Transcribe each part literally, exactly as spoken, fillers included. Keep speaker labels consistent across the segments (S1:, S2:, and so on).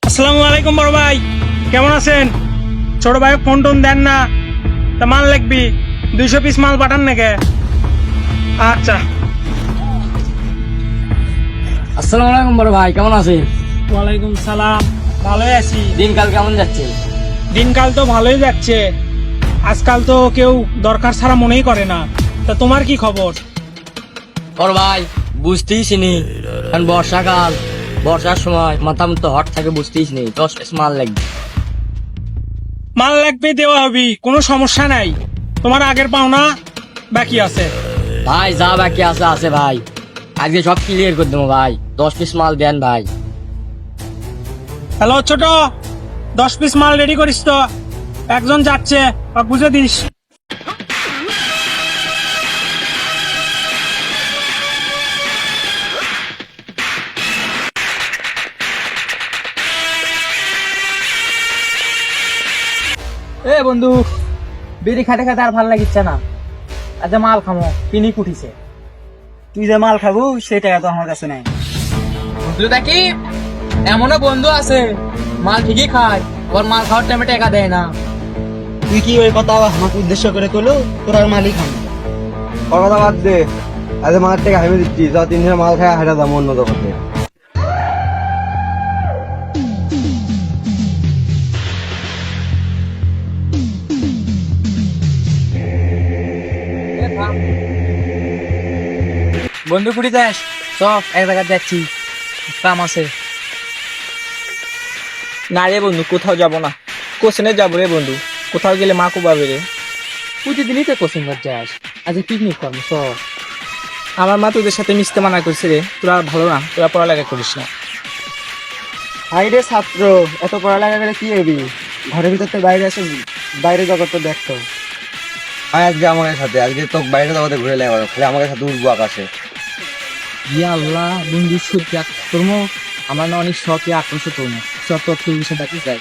S1: আসসালামু আলাইকুম বড় ভাই, কেমন আছেন? ছোট ভাই ফোন টোন দেন না, তা মাল লাগবি, দুইশো পিস মাল পাঠান নাকি? আচ্ছা।
S2: আসসালামু আলাইকুম বড় ভাই, কেমন আছেন?
S1: ওয়ালাইকুম সালাম, ভালোই আছি।
S2: দিনকাল কেমন যাচ্ছে?
S1: দিনকাল তো ভালোই যাচ্ছে, আজকাল তো কেউ দরকার ছাড়া মনেই করে না। তা তোমার কি খবর?
S2: বড় ভাই বুঝতেইস নি, কারণ বর্ষাকাল, বর্ষার সময় মাথা মতো হট থাকে, বুঝতেইস নি, দশ পিস মাল লাগবে।
S1: মাল লাগবে, দেওয়া হবি, কোনো সমস্যা নাই। তোমার আগের পাওনা বাকি আছে।
S2: ভাই যা বাকি আছে আছে ভাই, আজকে সব ক্লিয়ার করে দেবো ভাই, দশ পিস মাল দেন ভাই।
S1: হ্যালো ছোট, দশ পিস মাল রেডি করিস তো, একজন যাচ্ছে, বা বুঝে দিস।
S3: এ বন্ধু, বিড়ি খাতে খাতে আর ভাল লাগিচ্ছে না, আচ্ছা মাল খামো, পিনিক উঠিছে। তুই যে মাল খাবো সেই টাকা তো আমার কাছে নাই। বন্ধু দেখি এমনও বন্ধু আছে মাল ঠিকই খায়, ওর মাল খাওয়ার টাইমে টাকা দেয় না।
S4: তুই কি ওই কথা আমাকে উদ্দেশ্য করে কলো? তোর আর মালিক খাম ওর কথা বাদ দে। আজ মাল থেকে হাইমে দিচ্ছি, যা তিন দিনের মাল খায় হাইটা দাম অন্য দোকানে।
S3: বন্ধু কুড়ি যাস, সব এক জায়গায় যাচ্ছি, কাম আছে। না রে বন্ধু, কোথাও যাব না, কোচিনে যাবো রে বন্ধু, কোথাও গেলে মা কুবাবে রে। প্রতিদিনই তো কোচিং ঘর যাস, আজ পিকনিক করবো সব। আমার মা তোদের সাথে মিশতে মানা করছে রে, তোরা ভালো না, তোরা পড়ালেখা করিস না।
S4: হাই রে ছাত্র, এত পড়ালেখা করে কি হবি? ঘরের ভিতর তো বাইরে আসে, বাইরে জগৎ তো দেখতো। আয় আজকে আমাদের সাথে, আজকে তো বাইরে জগতে ঘুরে লেগে খালি আমাদের সাথে উঠবো আকাশে।
S3: ইয়া আল্লাহ বন্ধু, সত্যি তোর আমার না অনেক শখে আকর্ষ তোর সব তথ্য বিষয় দেখতে চাই।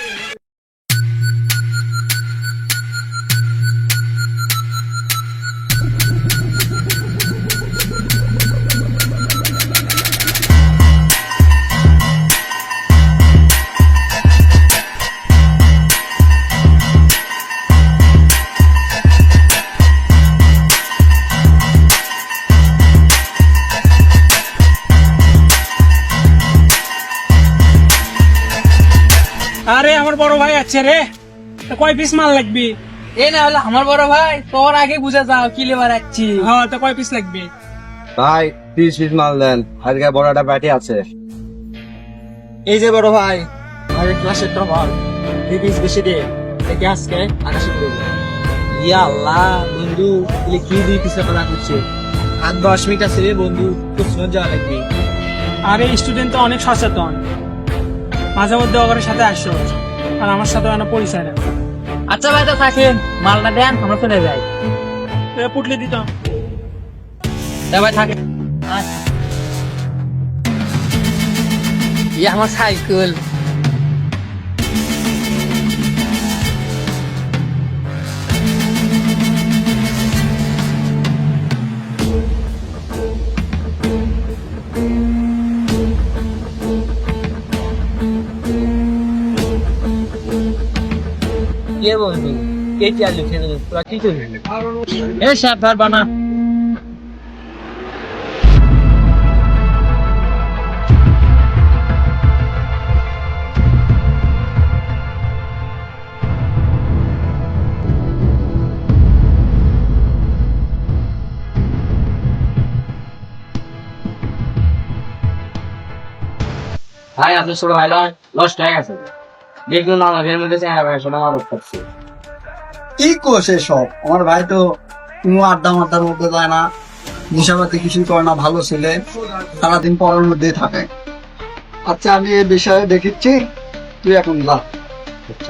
S1: আরে আমার বড় ভাই আছে রে, তা কয় পিস মাল লাগবি?
S3: এ না হলো আমার বড় ভাই, তোর আগে বুঝে যাও কি লেবার রাখছি।
S1: হ্যাঁ, তা কয় পিস লাগবে?
S4: ভাই তিরিশ পিস মাল দেন, আজকে বড় একটা ব্যাটি আছে।
S3: এই যে বড় ভাই, আমাদের ক্লাসের টপার, দুই পিস বেশি দে, একে আজকে আকাশে করবো। ইয়া আল্লাহ বন্ধু, এলে কি দুই পিসের কথা করছে? আর দশ মিনিট আছে রে বন্ধু, প্রশ্ন যাওয়া লাগবে।
S1: আরে স্টুডেন্ট তো অনেক সচেতন, মাঝে মধ্যে ওদের সাথে আসো, আর আমার সাথে না পরিচয় না।
S3: আচ্ছা ভাই তো থাকেন, মালটা দেন, আমরা চলে যাই।
S1: পুটলি দিত
S3: ভাই থাকে। ইয়ে আমার সাইকেল। কে বন্ধু, কে চালু খেলে তোরা কি করবি? এ সাবধান বানা।
S2: ভাই আপনার ছোট ভাই লস্ট হয়ে গেছে, দেখুন আমাদের মধ্যে চেহারা ভাই শোনা আরো করছে।
S4: কি করছে সব? আমার ভাই তো কোনো আড্ডা মাড্ডার মধ্যে যায় না, নেশাপাতি কিছুই করে না, ভালো ছেলে, সারাদিন পড়ার মধ্যেই থাকে। আচ্ছা আমি এই বিষয়ে দেখিচ্ছি, তুই এখন যা।
S2: আচ্ছা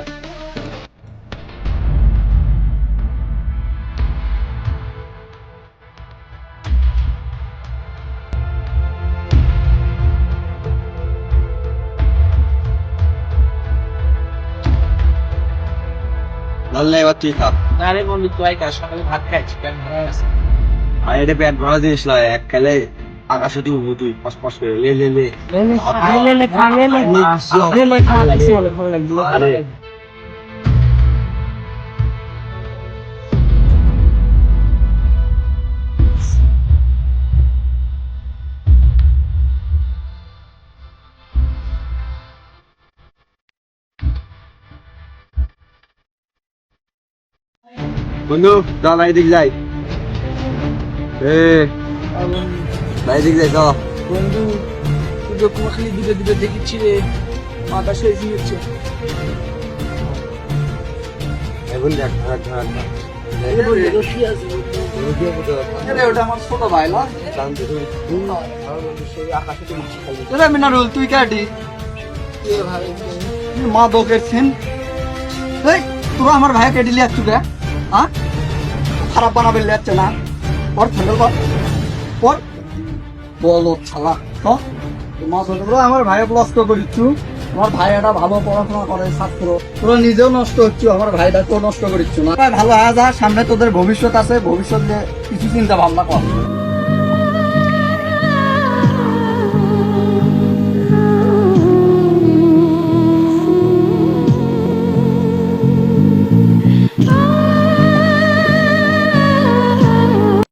S4: ধরলে এবার তুই খা।
S3: আরে বন্ধু, তুই কার সকালে ভাত খাইছি, কেন ভাড়া আছে?
S4: আর এটা পেট ভরা জিনিস নয়, এক খেলে
S5: আকাশে তুই তুই পাস পাস করে লে লে লে আরে বন্ধু যা ভাই দিক যাই এ ভাই দিক যাই চল
S3: বন্ধু তুই তো কোনো খালি দূরে দূরে দেখিচ্ছি রে মাথা শেষ হচ্ছে
S5: এখন দেখ ধার ধার
S4: ওটা আমার ছোট ভাই না মিনারুল তুই কাটি মা দোকের ছেন তোরা আমার ভাই কেটে লিয়ে আসছু কে হ্যাঁ খারাপ বানাবে লিয়াচ্ছে না পর ফেন্ডল কর পর বলো ছালা তো মা ছোট আমার ভাই নষ্ট করিচ্ছু আমার ভাই একটা ভালো পড়াশোনা করে ছাত্র তোরা নিজেও নষ্ট হচ্ছু আমার ভাইটা তো নষ্ট করিচ্ছু না ভালো হয়ে যা সামনে তোদের ভবিষ্যৎ আছে ভবিষ্যৎ নিয়ে কিছু চিন্তা ভাবনা কর